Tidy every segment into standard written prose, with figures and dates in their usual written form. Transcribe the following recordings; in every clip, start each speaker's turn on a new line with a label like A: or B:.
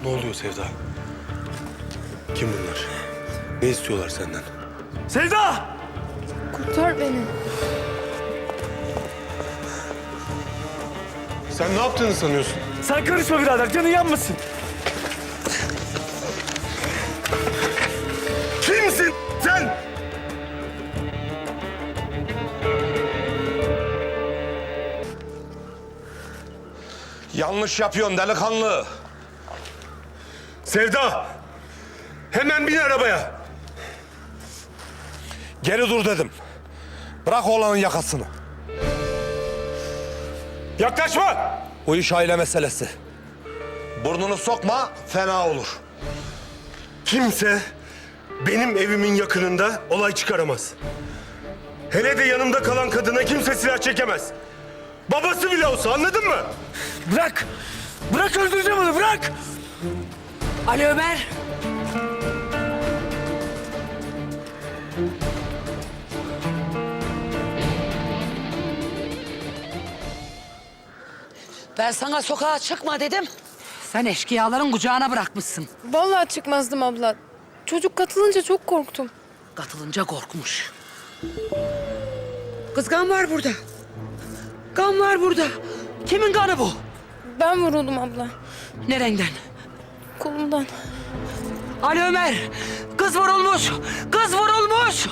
A: Ne oluyor Sevda? Kim bunlar? Ne istiyorlar senden?
B: Sevda!
C: Kurtar beni.
A: Sen ne yaptığını sanıyorsun?
B: Sen karışma birader, canın yanmasın.
A: Kimsin sen? Yanlış yapıyorsun delikanlı. Sevda! Hemen bin arabaya. Geri dur dedim. Bırak oğlanın yakasını. Yaklaşma! Bu iş aile meselesi. Burnunu sokma, fena olur. Kimse benim evimin yakınında olay çıkaramaz. Hele de yanımda kalan kadına kimse silah çekemez. Babası bile olsa, anladın mı?
B: Bırak! Bırak, öldüreceğim onu, bırak!
D: Ali Ömer. Ben sana sokağa çıkma dedim. Sen eşkıyaların kucağına bırakmışsın.
C: Vallahi çıkmazdım abla. Çocuk katılınca çok korktum.
D: Katılınca korkmuş. Kız kan var burada. Kan var burada. Kimin kanı bu?
C: Ben vuruldum abla.
D: Nereden?
C: Kolumdan.
D: Ali Ömer. Kız vurulmuş. Kız vurulmuş.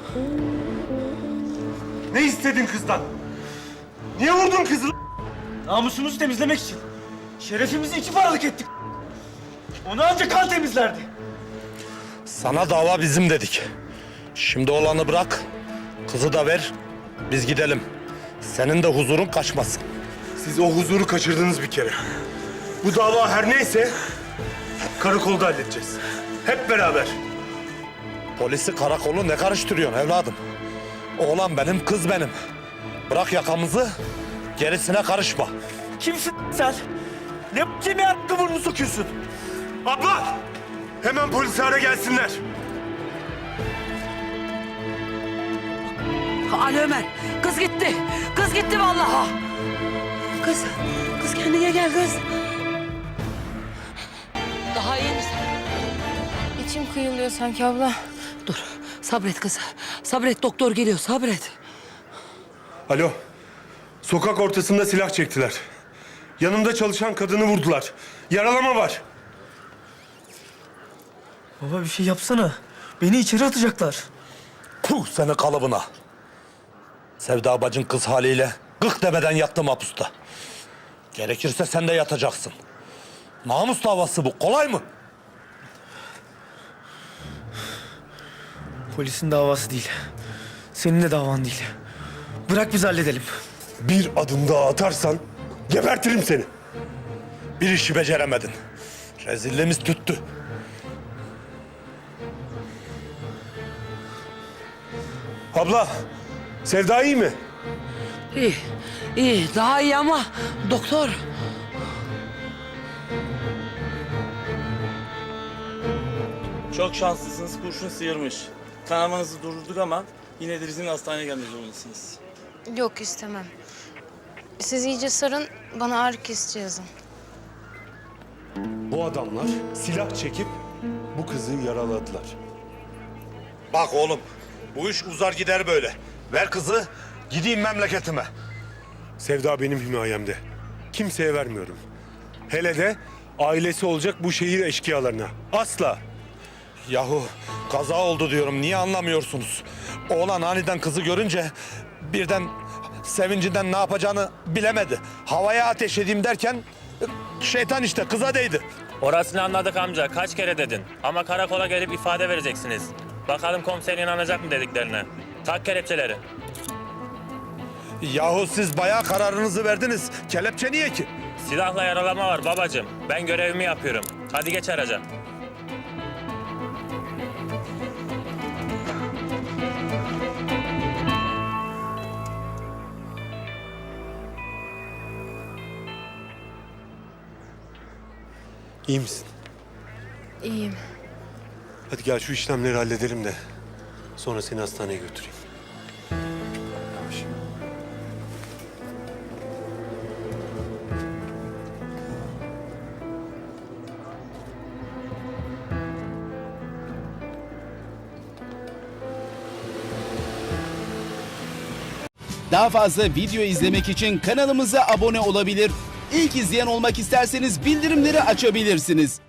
A: Ne istedin kızdan? Niye vurdun kızı?
B: Namusumuzu temizlemek için. Şerefimizi iki paralık ettik. Onu ancak kan temizlerdi.
E: Sana dava bizim dedik. Şimdi olanı bırak, kızı da ver, biz gidelim. Senin de huzurun kaçmasın.
A: Siz o huzuru kaçırdınız bir kere. Bu dava her neyse karakolda halledeceğiz. Hep beraber.
E: Polisi, karakolu ne karıştırıyorsun evladım? Oğlan benim, kız benim. Bırak yakamızı, gerisine karışma.
B: Kimsin sen? Ne kimi hakkı burnunu sokuyorsun?
A: Abla! Hemen polisi ara gelsinler.
D: Ali Ömer. Kız gitti. Kız gitti vallahi. Kız. Kız kendine gel kız. Daha iyi misin?
C: İçim kıyılıyor sanki abla.
D: Dur. Sabret kız. Sabret, doktor geliyor. Sabret.
A: Alo. Sokak ortasında silah çektiler. Yanımda çalışan kadını vurdular. Yaralama var.
B: Baba bir şey yapsana. Beni içeri atacaklar.
E: Puh seni kalıbına. Sevda bacın kız haliyle gık demeden yattı mahpusta. Gerekirse sen de yatacaksın. Namus davası bu, kolay mı?
B: Polisin davası değil. Senin de davan değil. Bırak biz halledelim.
A: Bir adım daha atarsan gebertirim seni.
E: Bir işi beceremedin. Rezilliğimiz tüttü.
A: Abla, Sevda iyi mi?
D: İyi. İyi. Daha iyi ama doktor.
F: Çok şanslısınız, kurşun sıyırmış. Kanamanızı durdurduk ama yine de bizim hastaneye gelmek zorundasınız.
C: Yok istemem. Siz iyice sarın, bana ağrı kesici yazın.
A: Bu adamlar silah çekip bu kızı yaraladılar.
E: Bak oğlum, bu iş uzar gider böyle. Ver kızı, gideyim memleketime.
A: Sevda benim himayemde. Kimseye vermiyorum. Hele de ailesi olacak bu şehir eşkıyalarına. Asla.
E: Yahu kaza oldu diyorum, niye anlamıyorsunuz? Oğlan aniden kızı görünce birden sevincinden ne yapacağını bilemedi. Havaya ateş edeyim derken şeytan işte kıza değdi.
G: Orasını anladık amca. Kaç kere dedin. Ama karakola gelip ifade vereceksiniz. Bakalım komiser inanacak mı dediklerine. Tak kelepçeleri.
E: Yahu siz bayağı kararınızı verdiniz. Kelepçe niye ki?
G: Silahla yaralama var babacığım. Ben görevimi yapıyorum. Hadi geç araca.
A: İyi misin?
C: İyiyim.
A: Hadi gel şu işlemleri halledelim de sonra seni hastaneye götüreyim. Yavaş.
H: Daha fazla video izlemek için kanalımıza abone olabilir. İlk izleyen olmak isterseniz bildirimleri açabilirsiniz.